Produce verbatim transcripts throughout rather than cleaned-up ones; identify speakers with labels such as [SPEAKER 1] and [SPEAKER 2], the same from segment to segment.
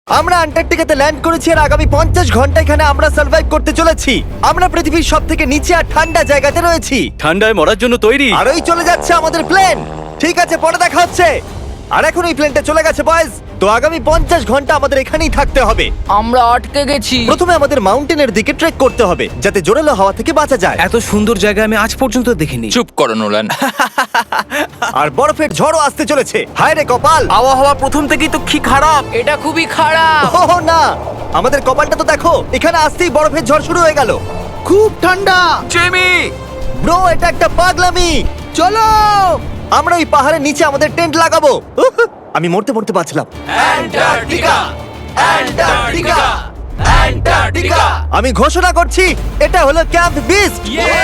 [SPEAKER 1] আমরা আন্টার্কটিকাতে ল্যান্ড করেছি আর আগামী পঞ্চাশ ঘন্টা এখানে আমরা সার্ভাইভ করতে চলেছি। আমরা পৃথিবীর সব থেকে নিচে আর ঠান্ডা জায়গাতে রয়েছি।
[SPEAKER 2] ঠান্ডায় মরার জন্য তৈরি।
[SPEAKER 1] আর ওই চলে যাচ্ছে আমাদের প্লেন। ঠিক আছে, পরে দেখা হচ্ছে। আর এখন ওই প্লেনটা চলে গেছে বয়েজ। তো আগামী পঞ্চাশ ঘন্টা আমাদের এখানেই থাকতে হবে।
[SPEAKER 3] আমরা আটকে গেছি।
[SPEAKER 1] প্রথমে আমাদের মাউন্টেনের দিকে ট্রেক করতে হবে যাতে জোরালো হাওয়া থেকে বাঁচা যায়।
[SPEAKER 2] এত সুন্দর জায়গা আমি আজ পর্যন্ত দেখিনি।
[SPEAKER 4] চুপ করো নোলান।
[SPEAKER 1] আর বরফের ঝড়ও আসতে চলেছে। হায় রে কপাল!
[SPEAKER 2] আবহাওয়া প্রথম থেকেই তো কি খারাপ।
[SPEAKER 3] এটা খুবই খারাপ।
[SPEAKER 1] ওহ না, আমাদের কপালটা তো দেখো, এখানে আসতেই বরফের ঝড় শুরু হয়ে গেল।
[SPEAKER 5] খুব ঠান্ডা।
[SPEAKER 2] জেমি,
[SPEAKER 1] ব্রো, এটা একটা পাগলামি।
[SPEAKER 5] চলো।
[SPEAKER 1] আমরা ওই পাহাড়ের নিচে আমাদের টেন্ট লাগাবো। উহ, আমি মরতে মরতে বাঁচলাম।
[SPEAKER 2] Antarctica, Antarctica, Antarctica.
[SPEAKER 1] আমি ঘোষণা করছি, এটা হলো ক্যাম্প বিস্ট।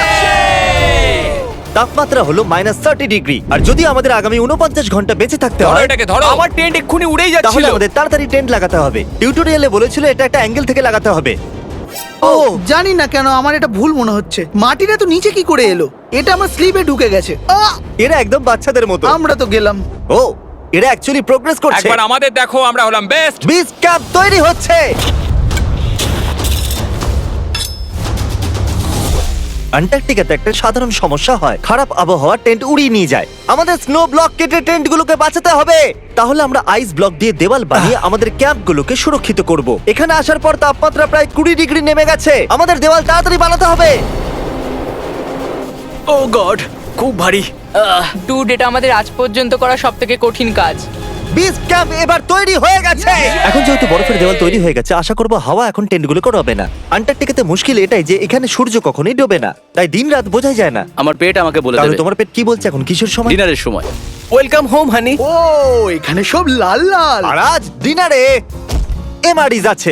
[SPEAKER 1] তাপমাত্রা হলো মাইনাস থার্টি ডিগ্রি। আর যদি আমাদের আগামী উনপঞ্চাশ ঘন্টা বেঁচে থাকতে
[SPEAKER 4] ধরো
[SPEAKER 1] হয়
[SPEAKER 4] এটাকে, ধরো।
[SPEAKER 2] আমার টেন্ট এক্ষুনি উড়েই
[SPEAKER 1] তাহলে
[SPEAKER 2] যাচ্ছিল।
[SPEAKER 1] আমাদের তাড়াতাড়ি টেন্ট লাগাতে হবে। টিউটোরিয়ালে বলেছিল এটা একটা অ্যাঙ্গেল থেকে লাগাতে হবে।
[SPEAKER 5] ও জানি না কেন আমার এটা ভুল মনে হচ্ছে। মাটিটা তো নিচে কি করে এলো? এটা আমার স্লিপে ঢুকে গেছে। আহ!
[SPEAKER 1] এরা একদম বাচ্চাদের মতো।
[SPEAKER 5] আমরা তো গেলাম।
[SPEAKER 1] ও, এরা অ্যাকচুয়ালি প্রোগ্রেস করছে।
[SPEAKER 4] একবার আমাদের দেখো, আমরা হলাম বেস্ট।
[SPEAKER 1] বিচ ক্যাম্প তৈরি হচ্ছে। আন্টার্কটিকাতে একটা সাধারণ সমস্যা হয়, খারাপ আবহাওয়া টেন্ট উড়িয়ে নিয়ে যায়। আমাদের স্নো ব্লক কেটে টেন্টগুলোকে বাঁচাতে হবে। তাহলে আমরা আইস ব্লক দিয়ে দেওয়াল বানিয়ে আমাদের ক্যাম্পগুলোকে সুরক্ষিত করব। এখানে আসার পর তাপমাত্রা প্রায় কুড়ি ডিগ্রি নেমে গেছে। আমাদের দেওয়াল তাড়াতাড়ি বানাতে হবে।
[SPEAKER 2] ও গড, খুব ভারী।
[SPEAKER 3] ডুড, এটা আমাদের আজ পর্যন্ত করা সব থেকে কঠিন কাজ।
[SPEAKER 1] বিচ ক্যাম্প এবার তৈরি হয়ে গেছে। এখন যেহেতু বরফের দেওয়াল তৈরি হয়ে গেছে, আশা করবো হাওয়া এখন টেন্টগুলো করবে না। আন্টার্কটিকাতে মুশকিল এটাই যে এখানে সূর্য কখনোই ডোবে না, তাই দিন রাত বোঝাই যায় না।
[SPEAKER 2] আমার পেট আমাকে বলে
[SPEAKER 1] তাহলে
[SPEAKER 2] দেবে
[SPEAKER 1] তোমার পেট কি বলছে এখন? কিসের সময়?
[SPEAKER 2] ডিনারের সময়। Welcome home honey.
[SPEAKER 5] ও এখানে সব লাল লাল।
[SPEAKER 1] আর আজ ডিনারে এমআরইজ আছে।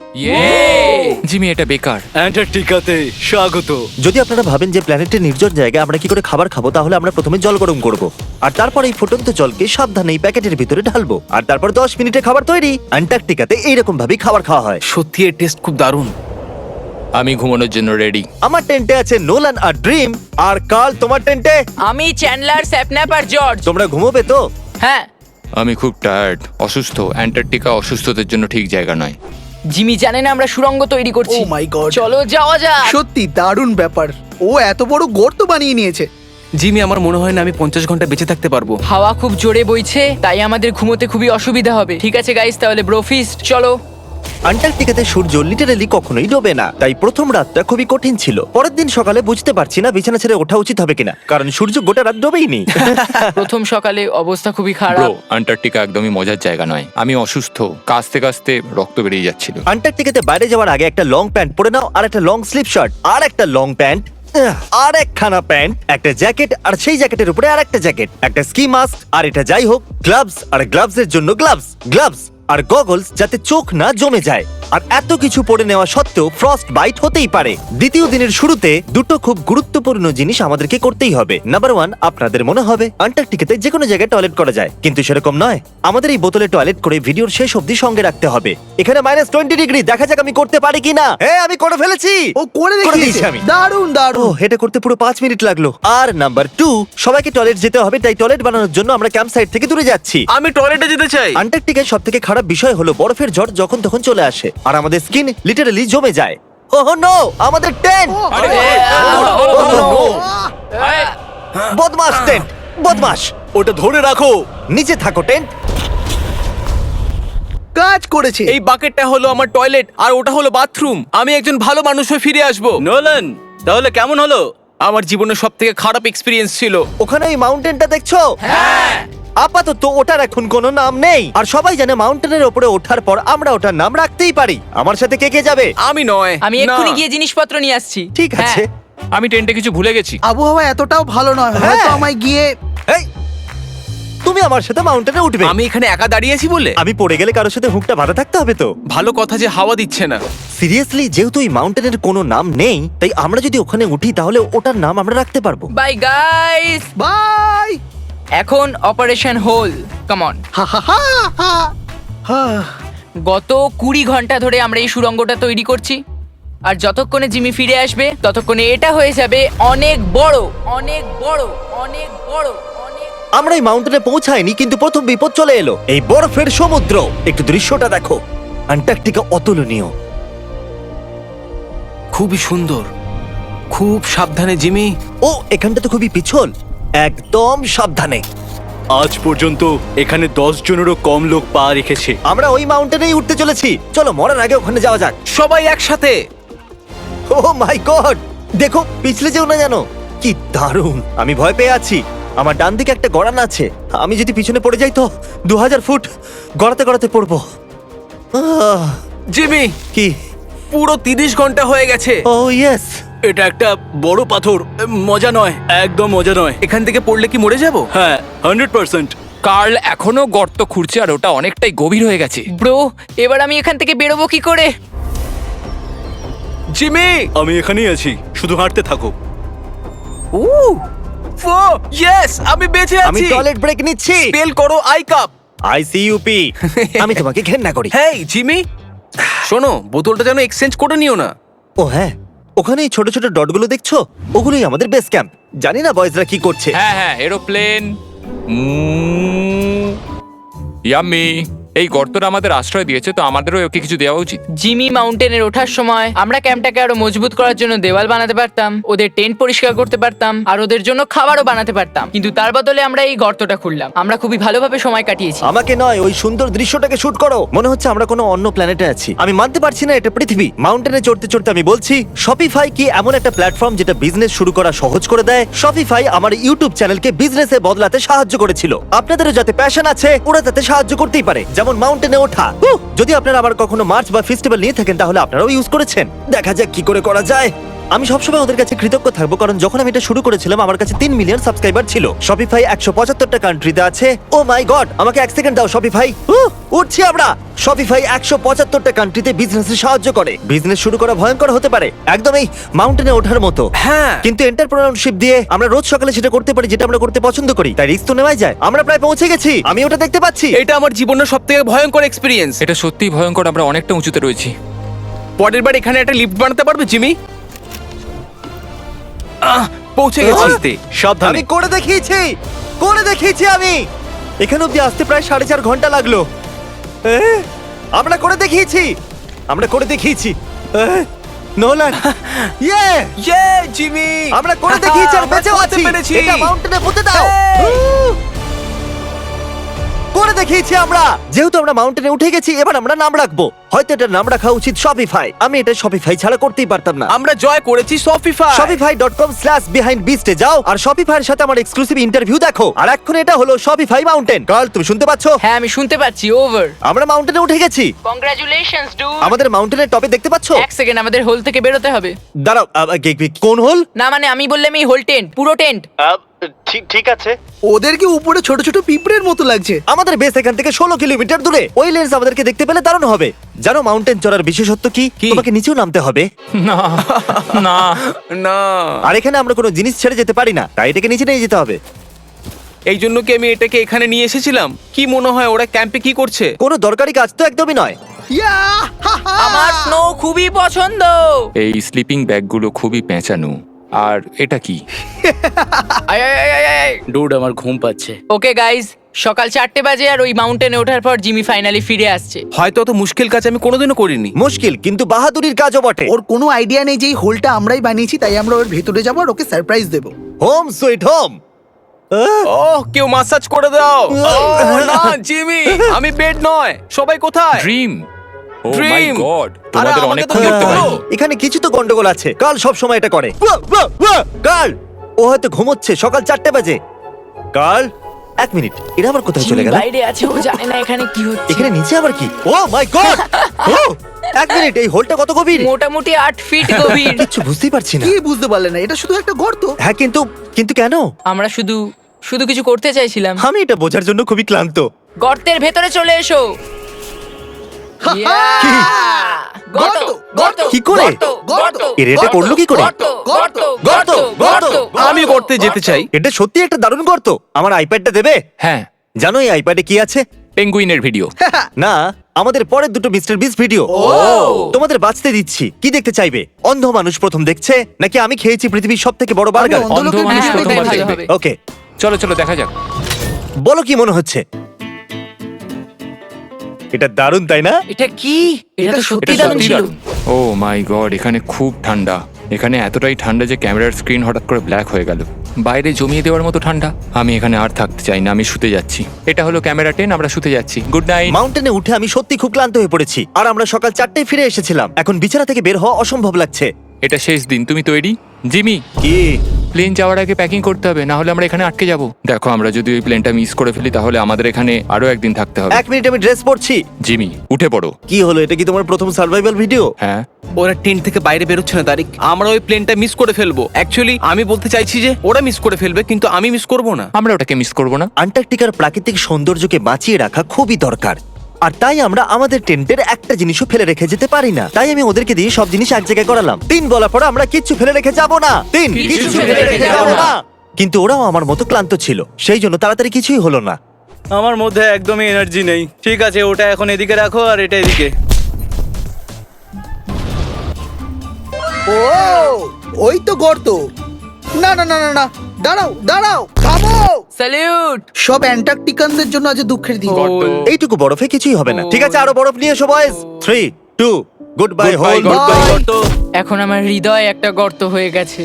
[SPEAKER 4] জিমি, এটা বেকার।
[SPEAKER 2] অ্যান্টার্কটিকাতে স্বাগত।
[SPEAKER 1] যদি আপনারা ভাবেন যে প্ল্যানেটের নির্জন জায়গায় আমরা কি করে খাবার খাবো, তাহলে আমরা প্রথমে জল গরম করব আর তারপর এই ফুটন্ত জলকে সাবধানে এই প্যাকেটের ভিতরে ঢালবো আর তারপর দশ মিনিটে খাবার তৈরি। আন্টার্কটিকাতে এইরকম ভাবেই খাবার খাওয়া হয়।
[SPEAKER 2] সত্যি এর টেস্ট খুব দারুণ।
[SPEAKER 4] আমি ঘুমানোর জন্য রেডি।
[SPEAKER 1] আমার টেন্টে আছে নোলান আর ড্রিম। আর কাল, তোমার টেন্টে?
[SPEAKER 3] আমি চ্যান্ডলার, স্যাপন্যাপ আর জর্জ।
[SPEAKER 1] তোমরা ঘুমোবে তো?
[SPEAKER 3] হ্যাঁ।
[SPEAKER 4] আমি খুব টায়ার্ড, অসুস্থ। অ্যান্টার্কটিকা অসুস্থদের জন্য ঠিক জায়গা নয়।
[SPEAKER 3] জিমি জানে না আমরা সুড়ঙ্গ তৈরি করছি।
[SPEAKER 5] Oh my God!
[SPEAKER 3] চলো যাওয়া যাক।
[SPEAKER 5] সত্যি দারুণ ব্যাপার। ও এত বড় গর্ত বানিয়ে নিয়েছে।
[SPEAKER 2] জিমি, আমার মনে হয় না আমি পঞ্চাশ ঘন্টা বেঁচে থাকতে পারবো।
[SPEAKER 3] হাওয়া খুব জোরে বইছে, তাই আমাদের ঘুমোতে খুবই অসুবিধা হবে। ঠিক আছে গাইস, তাহলে ব্রোফিস্ট চলো।
[SPEAKER 1] আন্টার্কটিকাতে সূর্য লিটারালি কখনোই ডোবে না, তাই প্রথম রাতটা খুবই কঠিন ছিল। পরের দিন সকালে বুঝতে পারছি না বিছানা ছেড়ে ওঠা উচিত হবে কিনা, কারণ সূর্য গোটা রাত ডোবেই নি।
[SPEAKER 3] প্রথম সকালে অবস্থা খুবই
[SPEAKER 4] ব্রো,
[SPEAKER 3] খারাপ।
[SPEAKER 4] আন্টার্কটিকা একদমই মজার জায়গা নয়। আমি অসুস্থ, কাশতে কাশতে রক্ত বেরিয়ে যাচ্ছিল।
[SPEAKER 1] আন্টার্কটিকাতে বাইরে যাওয়ার আগে একটা লং প্যান্ট পরে নাও, আর একটা লং স্লিভ শার্ট, আর একটা লং প্যান্ট, আর একখানা প্যান্ট, একটা জ্যাকেট, আর সেই জ্যাকেটের উপরে আর একটা জ্যাকেট, একটা স্কি মাস্ক, আর এটা যাই হোক গ্লাভস, আর গ্লাভস এর জন্য গ্লাভস, গ্লাভস আর গগলস যাতে চোখ না জমে যায়। আর এত কিছু পরে নেওয়া সত্ত্বেও ফ্রস্ট বাইট হতেই পারে। দ্বিতীয় দিনের শুরুতে দুটো খুব গুরুত্বপূর্ণ জিনিস আমাদেরকে করতেই হবে। নাম্বার ওয়ান, আপনাদের মনে হবে আন্টার্কটিকাতে যে কোনো জায়গায় টয়লেট করা যায়, কিন্তু সেরকম নয়। আমাদের এই বোতলে টয়লেট করে ভিডিওর শেষ অবধি সঙ্গে রাখতে হবে। এখানে মাইনাস টোয়েন্টি ডিগ্রি, দেখা যাক আমি করতে পারি কিনা। হ্যাঁ, আমি করে ফেলেছি।
[SPEAKER 5] ও করে
[SPEAKER 1] দিয়েছি
[SPEAKER 5] দেখিয়েছে।
[SPEAKER 1] আমি।
[SPEAKER 5] দারুণ
[SPEAKER 1] ও,
[SPEAKER 5] দারুণ।
[SPEAKER 1] এটা করতে পুরো পাঁচ মিনিট লাগলো। আর নাম্বার টু, সবাইকে টয়লেট যেতে হবে, তাই টয়লেট বানানোর জন্য আমরা ক্যাম্প সাইট থেকে দূরে যাচ্ছি।
[SPEAKER 2] আমি টয়লেটে যেতে চাই।
[SPEAKER 1] আন্টার্কটিকার সব থেকে খারাপ বিষয় হলো বরফের ঝড় যখন তখন চলে আসে আর আমাদের স্কিন লিটারালি জমে যায়। ওহ নো, আমাদের টেন্ট!
[SPEAKER 4] আরে,
[SPEAKER 1] ওহ নো, বদমাস টেন্ট, বদমাস!
[SPEAKER 2] ওটা ধরে রাখো।
[SPEAKER 1] নিচে থাকো টেন্ট।
[SPEAKER 5] কাজ করেছে।
[SPEAKER 2] এই বাকেটটা হলো আমার টয়লেট আর ওটা হলো বাথরুম। আমি একজন ভালো মানুষ হয়ে ফিরে আসবো। নোলান, তাহলে কেমন হলো? আমার জীবনের সব থেকে খারাপ এক্সপিরিয়েন্স ছিল।
[SPEAKER 1] ওখানে ওই মাউন্টেনটা দেখছো? হ্যাঁ। আপাতত ওটার এখন কোনো নাম নেই, আর সবাই জানে মাউন্টেনের উপরে ওঠার পর আমরা ওটার নাম রাখতেই পারি। আমার সাথে কে কে যাবে?
[SPEAKER 2] আমি নয়।
[SPEAKER 3] আমি
[SPEAKER 2] না।
[SPEAKER 3] এক্ষুনি গিয়ে জিনিসপত্র নিয়ে আসছি।
[SPEAKER 1] ঠিক আছে।
[SPEAKER 3] হ্যাঁ।
[SPEAKER 4] আমি টেন্টে কিছু ভুলে গেছি।
[SPEAKER 5] আবহাওয়া এতটাও ভালো নয়,
[SPEAKER 1] হ্যাঁ।
[SPEAKER 5] হয়তো আমায় গিয়ে।
[SPEAKER 1] এই, তুমি আমার সাথে মাউন্টেনে উঠবে?
[SPEAKER 2] আমি এখানে একা দাঁড়িয়েছি বলে?
[SPEAKER 1] আমি পড়ে গেলে কারোর সাথে হুকটা বাঁধা থাকতে হবে তো।
[SPEAKER 2] ভালো কথা যে হাওয়া দিচ্ছে না।
[SPEAKER 1] সিরিয়াসলি, যেহেতু এই মাউন্টেনের কোনো নাম নেই, তাই আমরা যদি ওখানে উঠি তাহলে ওটার নাম আমরা রাখতে পারবো।
[SPEAKER 3] Bye guys.
[SPEAKER 5] বাই।
[SPEAKER 3] এখন অপারেশন হোল, কাম অন।
[SPEAKER 5] হা হা হা হা। হা।
[SPEAKER 3] গত কুড়ি ঘন্টা ধরে আমরা এই সুড়ঙ্গটা তৈরি করছি, আর যতক্ষণে জিমি ফিরে আসবে ততক্ষণে এটা হয়ে যাবে অনেক বড়, অনেক বড়, অনেক বড়, অনেক।
[SPEAKER 1] আমরা এই মাউন্টেনে পৌঁছাইনি, কিন্তু প্রথম বিপদ চলে এলো, এই বরফের সমুদ্র। একটু দৃশ্যটা দেখো। অ্যান্টার্কটিকা অতুলনীয়।
[SPEAKER 2] খুবই সুন্দর, খুব সাবধানে জিমি।
[SPEAKER 1] ও এখানটা তো খুবই পিছল, একদম সাবধানে।
[SPEAKER 6] আজ পর্যন্ত এখানে দশ জনেরও কম লোক পা রেখেছে।
[SPEAKER 1] আমরা ওই মাউন্টেনেই উঠতে চলেছি, চলো মরার আগে ওখানে যাওয়া যাক।
[SPEAKER 2] সবাই একসাথে।
[SPEAKER 1] ও মাই গড, দেখো পিছলে যেও না জানো। কি দারুণ, আমি ভয় পেয়ে আছি। আমার ডান দিকে একটা গড়ান আছে, আমি যদি পিছনে পড়ে যাই তো দু হাজার ফুট গড়াতে গড়াতে পড়বো। আহ,
[SPEAKER 2] জিমি,
[SPEAKER 1] কি?
[SPEAKER 2] পুরো তিরিশ ঘন্টা হয়ে গেছে।
[SPEAKER 1] Oh yes.
[SPEAKER 6] এটা একটা বড় পাথর, মজা নয়, একদম মজা নয়।
[SPEAKER 2] এখান থেকে পড়লে কি মরে যাব?
[SPEAKER 6] হ্যাঁ, হান্ড্রেড পার্সেন্ট।
[SPEAKER 4] কার্ল এখনো গর্ত খুঁড়ছে আর ওটা অনেকটাই গভীর হয়ে গেছে।
[SPEAKER 3] ব্রো, এবার আমি এখান থেকে বেরোবো কি করে?
[SPEAKER 2] জিমি,
[SPEAKER 6] আমি এখানেই আছি, শুধু হাঁটতে থাকো।
[SPEAKER 2] ও ফো ইয়েস, আমি বেঁচে
[SPEAKER 1] আমি
[SPEAKER 2] আছি।
[SPEAKER 1] টয়লেট ব্রেক নিচ্ছি।
[SPEAKER 2] স্পেল করো আই কাপ।
[SPEAKER 1] আইসিইউপি। আমি তোমাকে ঘেন্না করি।
[SPEAKER 2] হেই জিমি, শোনো, বোতলটা যেন এক্সচেঞ্জ করে নিও না।
[SPEAKER 1] ও হ্যাঁ, ওখানে এই ছোট ছোট ডটগুলো দেখছো, ওগুলোই আমাদের বেস ক্যাম্প। জানি না বয়েজরা কি করছে।
[SPEAKER 4] হ্যাঁ হ্যাঁ, এরোপ্লেন। ইয়াম্মি, এই গর্তটা আমাদের আশ্রয় দিয়েছে, তো আমাদেরও ওকে কিছু দেওয়া উচিত।
[SPEAKER 3] জিমি মাউন্টেনের ওঠার সময় আমরা ক্যাম্পটাকে আরো মজবুত করার জন্য দেওয়াল বানাতে পারতাম, ওদের টেন্ট পরিষ্কার করতে পারতাম, আর ওদের জন্য খাবারও বানাতে পারতাম। কিন্তু তার বদলে আমরা এই গর্তটা খুললাম। আমরা খুবই ভালোভাবে সময় কাটিয়েছি।
[SPEAKER 1] আমাকে নয়, ওই সুন্দর দৃশ্যটাকে শুট করো। মনে হচ্ছে আমরা কোনো অন্য প্ল্যানেটে আছি। আমি মানতে পারছি না এটা পৃথিবী। মাউন্টেনে চড়তে চড়তে আমি বলছি, শপিফাই কি এমন একটা প্ল্যাটফর্ম যেটা বিজনেস শুরু করা সহজ করে দেয়? শপিফাই আমার ইউটিউব চ্যানেলকে বিজনেসে বদলাতে সাহায্য করেছিল। আপনাদেরও যাতে প্যাশন আছে, ওরা তাতে সাহায্য করতেই পারে, যেমন মাউন্টেনে ওঠা। উহ, যদি আপনারা আবার কখনো মার্চ বা ফেস্টিভ্যাল নিয়ে থাকেন তাহলে আপনারাও ইউজ করেছেন। দেখা যাক কি করে করা যায়। আমি সবসময় ওদের কাছে কৃতজ্ঞ থাকবো, কারণ যখন আমি এটা শুরু করেছিলাম আমার কাছে তিন মিলিয়ন সাবস্ক্রাইবার ছিল। শপিফাই একশো পঁচাত্তরটা কান্ট্রিতে আছে। ও মাই গড, আমাকে এক সেকেন্ড দাও শপিফাই। উহ, উঠছি আমরা। শপিফাই একশো পঁচাত্তরটা কান্ট্রিতে বিজনেসে সাহায্য করে। বিজনেস শুরু করা ভয়ঙ্কর হতে পারে, একদম এই মাউন্টেনে ওঠার মতো।
[SPEAKER 2] হ্যাঁ।
[SPEAKER 1] কিন্তু এন্টারপ্রেনারশিপ দিয়ে আমরা রোজ সকালে সেটা করতে পারি যেটা আমরা করতে পছন্দ করি, তাই রিস্ক তো নেওয়াই যায়। আমরা প্রায় পৌঁছে গেছি, আমি ওটা দেখতে পাচ্ছি।
[SPEAKER 2] এটা আমার জীবনের সবথেকে ভয়ঙ্কর এক্সপেরিয়েন্স।
[SPEAKER 4] এটা সত্যিই ভয়ঙ্কর, আমরা অনেকটা উঁচুতে রয়েছি।
[SPEAKER 2] পরের বার এখানে একটা লিফট বানাতে পারবে জিমি? আহ, পৌঁছে গেছি।
[SPEAKER 1] আমি
[SPEAKER 6] সাবধানে।
[SPEAKER 1] করে দেখিয়েছি, করে দেখিয়েছি আমি। এখানে অব্দি আসতে প্রায় সাড়ে চার ঘন্টা লাগলো। এ, আমরা করে দেখিয়েছি, আমরা করে দেখিয়েছি। এ, নোলান, ইয়ে,
[SPEAKER 2] ইয়ে জিমি,
[SPEAKER 1] আমরা করে দেখিয়েছি আর বেঁচেও
[SPEAKER 2] আমরা
[SPEAKER 1] আছি।
[SPEAKER 2] করতে পেরেছি।
[SPEAKER 1] এটা মাউন্টেনে পুঁতে দাও।
[SPEAKER 2] Hey!
[SPEAKER 1] উহ! করে দেখিয়েছি আমরা। যেহেতু আমরা মাউন্টেনে উঠে গেছি, এবার আমরা নাম রাখবো। হয়তো এটার নাম রাখা উচিত শপিফাই। আমি এটা শপিফাই ছাড়া করতেই পারতাম না।
[SPEAKER 2] আমরা জয় করেছি Shopify.
[SPEAKER 1] Shopify dot com slash behind বিস্টে যাও আর শপিফাইয়ের সাথে আমার এক্সক্লুসিভ ইন্টারভিউ দেখো। আর এখন এটা হলো শপিফাই মাউন্টেন। কার্ল, তুমি শুনতে পাচ্ছো?
[SPEAKER 3] হ্যাঁ, আমি শুনতে পাচ্ছি। ওভার।
[SPEAKER 1] আমরা মাউন্টেনে উঠে গেছি।
[SPEAKER 3] Congratulations dude.
[SPEAKER 1] আমাদের মাউন্টেনের টপে দেখতে পাচ্ছো?
[SPEAKER 3] এক সেকেন্ড, আমাদের হোল থেকে বেরোতে হবে।
[SPEAKER 1] দাঁড়াও, আ, আ, কি- কি- কোন হোল?
[SPEAKER 3] না মানে আমি বললাম এই হোল টেন্ট, পুরো টেন্ট।
[SPEAKER 1] ঠিক ঠিক আছে।
[SPEAKER 5] ওদেরকে উপরে ছোট ছোট পিঁপড়ের মতো লাগছে।
[SPEAKER 1] আমাদের বেস এখান থেকে ষোলো কিলোমিটার দূরে। ওই লেন্স আমাদেরকে দেখতে পেলে দারুণ হবে। জানো মাউন্টেন চড়ার বিশেষত্ব কি?
[SPEAKER 2] কি?
[SPEAKER 1] তোমাকে নিচেও নামতে হবে।
[SPEAKER 4] না না,
[SPEAKER 2] না,
[SPEAKER 1] আর এখানে আমরা কোনো জিনিস ছেড়ে যেতে পারি না, তাই এটাকে নিচে নিয়ে যেতে হবে।
[SPEAKER 2] এই জন্য কি আমি এটাকে এখানে নিয়ে এসেছিলাম? কি মনে হয় ওরা ক্যাম্পে কি করছে?
[SPEAKER 1] কোনো দরকারি কাজ তো একদমই নয়।
[SPEAKER 5] ইয়া, হা, হা।
[SPEAKER 3] আমার স্নো খুবই পছন্দ।
[SPEAKER 4] এই স্লিপিং ব্যাগগুলো খুবই পেঁচানো। আর এটা কি?
[SPEAKER 6] ডুড, আমার ঘুম পাচ্ছে।
[SPEAKER 3] ওকে গাইজ, সকাল চারটে বাজে আর ওই মাউন্টেনে ওঠার পর জিমি ফাইনালি ফিরে আসছে।
[SPEAKER 2] হয়তো অত মুশকিল কাজ আমি কোনোদিনও করিনি।
[SPEAKER 1] মুশকিল কিন্তু বাহাদুরির কাজও বটে।
[SPEAKER 5] ওর কোনো আইডিয়া নেই যে এই হোলটা আমরাই বানিয়েছি, তাই আমরা ওর ভেতরে যাবো আর ওকে সারপ্রাইজ দেবো।
[SPEAKER 1] Home sweet home.
[SPEAKER 2] ওহ, কেউ মাসাজ করে দাও। ওহ, না জিমি, আমি বেড নয়। সবাই কোথায়?
[SPEAKER 4] Dream. Oh my
[SPEAKER 2] Dream!
[SPEAKER 4] God,
[SPEAKER 2] আরে,
[SPEAKER 4] তোমাদের
[SPEAKER 2] আমাকে
[SPEAKER 4] অনেক
[SPEAKER 2] তো
[SPEAKER 4] দেখতে
[SPEAKER 2] দেখতে
[SPEAKER 4] পাই।
[SPEAKER 2] পারো।
[SPEAKER 1] এখানে কিছু তো গন্ডগোল আছে। কাল সব সময় এটা করে। কাল, ও হয়তো ঘুমোচ্ছে। সকাল চারটে বাজে। কাল, এক মিনিট, এরা আবার কোথায় চলে
[SPEAKER 3] জিমি
[SPEAKER 1] গেল?
[SPEAKER 3] বাইরে আছে, ও জানে না এখানে কি হচ্ছে।
[SPEAKER 1] এখানে নিচে আবার কি? ও মাই গড! এক মিনিট, এই হোলটা কত গভীর?
[SPEAKER 3] মোটামুটি আট ফিট গভীর।
[SPEAKER 1] কিচ্ছু বুঝতেই পারছি না।
[SPEAKER 5] কি বুঝতে পারলে না? এটা শুধু একটা গর্ত।
[SPEAKER 1] হ্যাঁ, কিন্তু কিন্তু কেন?
[SPEAKER 3] আমরা শুধু শুধু কিছু করতে চাইছিলাম।
[SPEAKER 1] আমি এটা বোঝার জন্য খুবই ক্লান্ত।
[SPEAKER 3] গর্তের ভেতরে চলে এসো। Yeah!
[SPEAKER 1] কি?
[SPEAKER 3] গর্ত, গর্ত,
[SPEAKER 1] কি করে?
[SPEAKER 3] গর্ত, গর্ত,
[SPEAKER 1] এর এটা করলো কি করে?
[SPEAKER 3] গর্ত, গর্ত,
[SPEAKER 1] গর্ত, গর্ত।
[SPEAKER 2] আমি করতে যেতে চাই।
[SPEAKER 1] এটা সত্যি একটা দারুণ গর্ত। আমার আইপ্যাডটা দেবে?
[SPEAKER 4] হ্যাঁ,
[SPEAKER 1] জানো এই আইপ্যাডে কি আছে?
[SPEAKER 4] পেঙ্গুইনের ভিডিও।
[SPEAKER 1] না, আমাদের পরের দুটো মিস্টার বিস ভিডিও। তোমাদের বাঁচতে দিচ্ছি। কি দেখতে চাইবে? অন্ধ মানুষ প্রথম দেখছে, নাকি আমি খেয়েছি পৃথিবীর সব থেকে বড় বার্গার?
[SPEAKER 5] আমি অন্ধ
[SPEAKER 4] অন্ধ
[SPEAKER 5] লোকের
[SPEAKER 4] মানুষ
[SPEAKER 5] ভিডিও
[SPEAKER 3] হ্যাঁ,
[SPEAKER 4] প্রথমবার
[SPEAKER 3] ওটাই ভালো
[SPEAKER 4] দেখবে।
[SPEAKER 3] হবে।
[SPEAKER 1] ওকে,
[SPEAKER 4] চলো চলো দেখা যাক।
[SPEAKER 1] বলো কি মনে হচ্ছে? এটা দারুণ তাই না?
[SPEAKER 3] এটা কি? এটা তো সত্যি
[SPEAKER 4] এটা
[SPEAKER 3] দারুণ
[SPEAKER 4] সত্যি
[SPEAKER 3] ছিল।
[SPEAKER 4] দারুণ। ও মাই গড, এখানে খুব ঠান্ডা। এখানে এতটাই ঠান্ডা যে ক্যামেরার স্ক্রিন হঠাৎ করে ব্ল্যাক হয়ে গেল। বাইরে জমিয়ে দেওয়ার মতো ঠান্ডা। আমি এখানে আর থাকতে চাই না, আমি শুতে যাচ্ছি। এটা হলো ক্যামেরা টেন, আমরা শুতে যাচ্ছি। Good night.
[SPEAKER 1] মাউন্টেনে উঠে আমি সত্যি খুব ক্লান্ত হয়ে পড়েছি, আর আমরা সকাল চারটায় ফিরে এসেছিলাম। এখন বিছানা থেকে বের হওয়া অসম্ভব লাগছে।
[SPEAKER 4] এটা শেষ দিন, তুমি তৈরি? জিমি,
[SPEAKER 1] কি?
[SPEAKER 4] প্লেন যাওয়ার আগে প্যাকিং করতে হবে, না হলে আমরা এখানে আটকে যাব। দেখো, আমরা যদি ওই প্লেনটা মিস করে ফেলি তাহলে আমাদের এখানে আরো একদিন থাকতে হবে।
[SPEAKER 1] এক মিনিট, আমি ড্রেস পরছি।
[SPEAKER 4] জিমি, উঠে পড়ো।
[SPEAKER 1] কি হলো, এটা কি তোমার প্রথম সার্ভাইভাল ভিডিও?
[SPEAKER 4] হ্যাঁ,
[SPEAKER 2] ওরা টেন্ট থেকে বাইরে বেরোচ্ছে না তারিক। আমরা ওই প্লেনটা মিস করে ফেলবো। অ্যাকচুয়ালি আমি বলতে চাইছি যে ওরা মিস করে ফেলবে, কিন্তু আমি মিস করব না।
[SPEAKER 4] আমরা ওটাকে মিস করব না।
[SPEAKER 1] আন্টার্কটিকার প্রাকৃতিক সৌন্দর্যকে বাঁচিয়ে রাখা খুবই দরকার, আর তাই আমরা আমাদের টেন্টের একটা জিনিসও ফেলে রেখে যেতে পারি না। তাই আমি ওদেরকে দিয়ে সব জিনিস এক জায়গায় করালাম। তিন বলার পর আমরা কিচ্ছু ফেলে রেখে যাব না। তিন, কিচ্ছু ফেলে রেখে যাব না। কিন্তু ওরাও আমার মতো ক্লান্ত ছিল, সেই জন্য তাড়াতাড়ি কিছুই হলো না।
[SPEAKER 6] আমার মধ্যে একদমই এনার্জি নেই। ঠিক আছে, ওটা এখন এদিকে রাখো আর এটা এদিকে।
[SPEAKER 5] ও ওই তো গর্ত। না না না না না, দাঁড়াও দাঁড়াও, থামো।
[SPEAKER 3] স্যালিউট।
[SPEAKER 5] সব অ্যান্টার্কটিকানদের জন্য আজ দুঃখের দিন।
[SPEAKER 1] এইটুকু বরফে কিছুই হবে না। ঠিক আছে, আরো বরফ নিয়ে এসো boys. Three, two, good bye hole.
[SPEAKER 5] Bye.
[SPEAKER 3] এখন আমার হৃদয় একটা গর্ত হয়ে গেছে।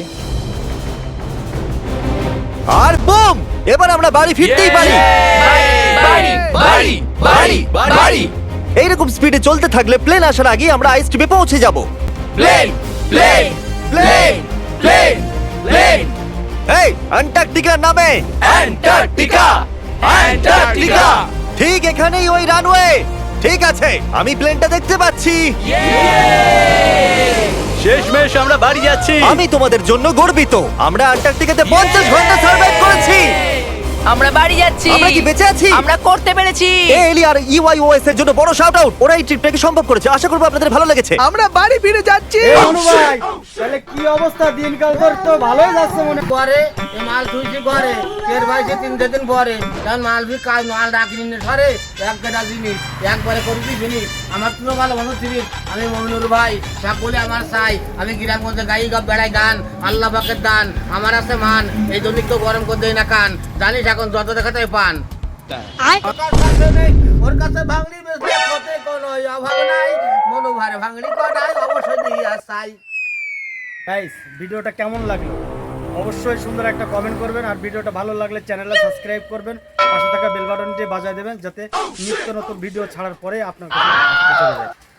[SPEAKER 1] আর বুম, এবার আমরা বাড়ি ফিরতেই পারি।
[SPEAKER 3] বাড়ি, বাড়ি, বাড়ি, বাড়ি।
[SPEAKER 1] এইরকম স্পিডে চলতে থাকলে প্লেন আসার আগে আমরা আইস টিপে পৌঁছে যাব।
[SPEAKER 3] Plane, plane, plane, plane, plane.
[SPEAKER 1] এই অ্যান্টার্কটিকার নামে।
[SPEAKER 3] Antarctica, Antarctica.
[SPEAKER 1] ঠিক এখানেই ওই রানওয়ে। ঠিক আছে, আমি প্লেনটা দেখতে পাচ্ছি।
[SPEAKER 6] শেষমেশ আমরা বাড়ি যাচ্ছি।
[SPEAKER 1] আমি তোমাদের জন্য গর্বিত। আমরা অ্যান্টার্কটিকাতে পঞ্চাশ ঘন্টা সার্ভাইভ করেছি।
[SPEAKER 3] আমরা বাড়ি যাচ্ছি।
[SPEAKER 1] আমরা কি বেঁচে আছি?
[SPEAKER 3] আমরা করতে পেরেছি।
[SPEAKER 1] এলি আর ইউআইওএস এর জন্য বড় শাউট আউট। ওরা এই ট্রিপটাকে সম্ভব করেছে। আশা করব আপনাদের ভালো লেগেছে।
[SPEAKER 5] আমরা বাড়ি ফিরে যাচ্ছি।
[SPEAKER 7] ভাই তাহলে কি অবস্থা? দিনকাল তোর তো ভালোই যাচ্ছে মনে
[SPEAKER 8] পরে এ মাল থুইছি পরে তের ভাইছে তিন দিন পরে তখন মাল ভি কাজ মাল ডাকিনি নে সরে এক গাদা জিনিস একবারে করবি জিনিস আমার তো ভালো ভালো জিনিস। আমি মমিনুর ভাই সকলে আমার চাই। আমি গ্রামগঞ্জে গাই গা বেড়াই গান আল্লাহ পাকের দান আমার আছে মান। এই জন্য তো গরম করে দেয় না কান। জানিস এখন যত দেখাতে পান ওর কাছে নেই, ওর কাছে ভাঙড়ি বেশি কতে কোনো অভাব নাই। মনু ভারে ভাঙড়ি কটাই অবশ্যই দিয়া চাই।
[SPEAKER 7] গাইস, ভিডিওটা কেমন লাগলো অবশ্যই সুন্দর একটা কমেন্ট করবেন, আর ভিডিওটা ভালো লাগলে চ্যানেলটা সাবস্ক্রাইব করবেন, পাশে থাকা বেল বাটনটি বাজায় দেবেন যাতে নিত্য নতুন ভিডিও ছাড়ার পরে আপনার কাছে চলে যায়।